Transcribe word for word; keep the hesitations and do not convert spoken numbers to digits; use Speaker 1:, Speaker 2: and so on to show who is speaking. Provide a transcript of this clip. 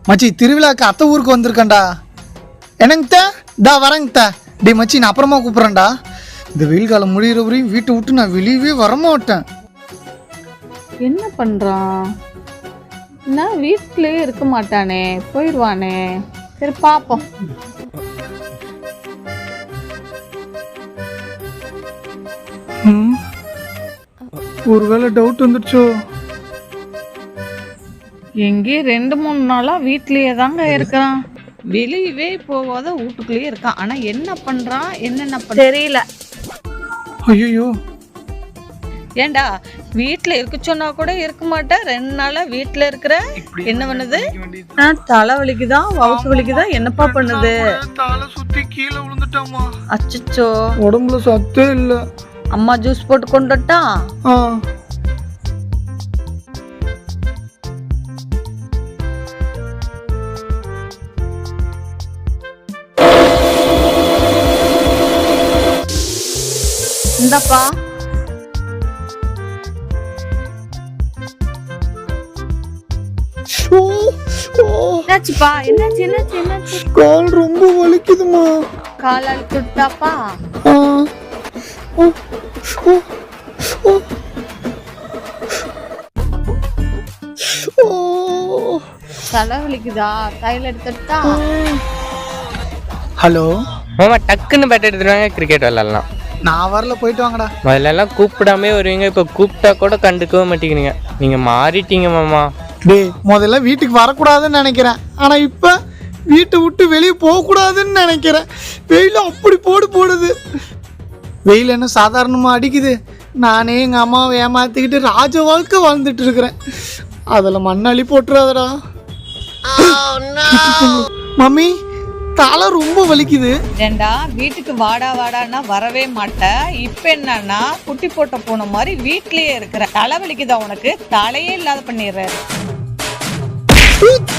Speaker 1: மச்சி திருவிழாக்கு அத்தை ஊருக்கு வந்திருக்கேன்டா. என்னங்கத்தா டா வரங்கத்தா. டே மச்சி நான் அப்புறமா கூப்பிட்றேன்டா. இந்த வெயில் காலம் முடிகிற வரையும் வீட்டை விட்டு நான் வெளியவே வரமாட்டேன்.
Speaker 2: என்ன பண்றான்? நான் வீட்லயே இருக்க மாட்டானே, போயிடுவானே. சரி பாப்போம்.
Speaker 1: ஒருவேளை டவுட் வந்துடுச்சோ?
Speaker 2: எங்கே ரெண்டு மூணு நாளா வீட்லயே தாங்க இருக்கிறான். வெளியவே போகாத வீட்டுக்குள்ளேயே இருக்கான். ஆனா என்ன பண்றான் என்னென்ன பண்ண தெரியல.
Speaker 1: ஐயோ
Speaker 2: ஏண்டா வீட்டுல இருக்க சொன்னா கூட இருக்க மாட்டேன். ரெண்டு நாளா வீட்டுல இருக்கிற என்ன பண்ணுது? தலை வலிக்குதா வவுசு வலிக்குதா என்னப்பா பண்ணுது?
Speaker 1: தலை சுத்தி கீழே விழுந்துட்டாமா.
Speaker 2: அச்சச்சோ
Speaker 1: உடம்புல சத்தே இல்ல.
Speaker 2: அம்மா ஜூஸ் போட்டு கொண்டுட்டா. இந்தப்பா என்னாச்சுப்பா? என்னாச்சு என்னாச்சு என்னாச்சு?
Speaker 1: கால் ரொம்ப வலிக்குதுமா.
Speaker 2: கால் அழுத்துட்டாப்பா. தலை வலிக்குதா? கையில் எடுத்துட்டா.
Speaker 1: ஹலோ
Speaker 3: மாமா, டக்குன்னு பேட் எடுத்துருவாங்க, கிரிக்கெட் விளாட்லாம்.
Speaker 1: நான் வரல, போயிட்டு வாங்கடா.
Speaker 3: முதல்ல எல்லாம் கூப்பிடாமே வருவீங்க, இப்போ கூப்பிட்டா கூட கண்டுக்கவே மாட்டேங்கிறீங்க. நீங்க மாறிட்டீங்க மாமா.
Speaker 1: டே முதல்ல வீட்டுக்கு வரக்கூடாதுன்னு நினைக்கிறேன். ஆனா இப்ப வீட்டை விட்டு வெளியே போகக்கூடாதுன்னு நினைக்கிறேன். வெயில் அப்படி போடு போடுது. வெயில் என்ன சாதாரணமா அடிக்குது. நானே எங்க அம்மாவை ஏமாத்திக்கிட்டு ராஜ வாழ்க்கை வாழ்ந்துட்டு இருக்கிறேன். அதுல மண்ணாளி போட்டுறாதடா. மம்மி தலை ரொம்ப வலிக்குது.
Speaker 2: ஏண்டா வீட்டுக்கு வாடா வாடான்னா வரவே மாட்டேன். இப்ப என்னன்னா குட்டி போட்ட போன மாதிரி வீட்லயே இருக்கிற. தலை வலிக்குதா உனக்கு? தலையே இல்லாத பண்ணிடுற.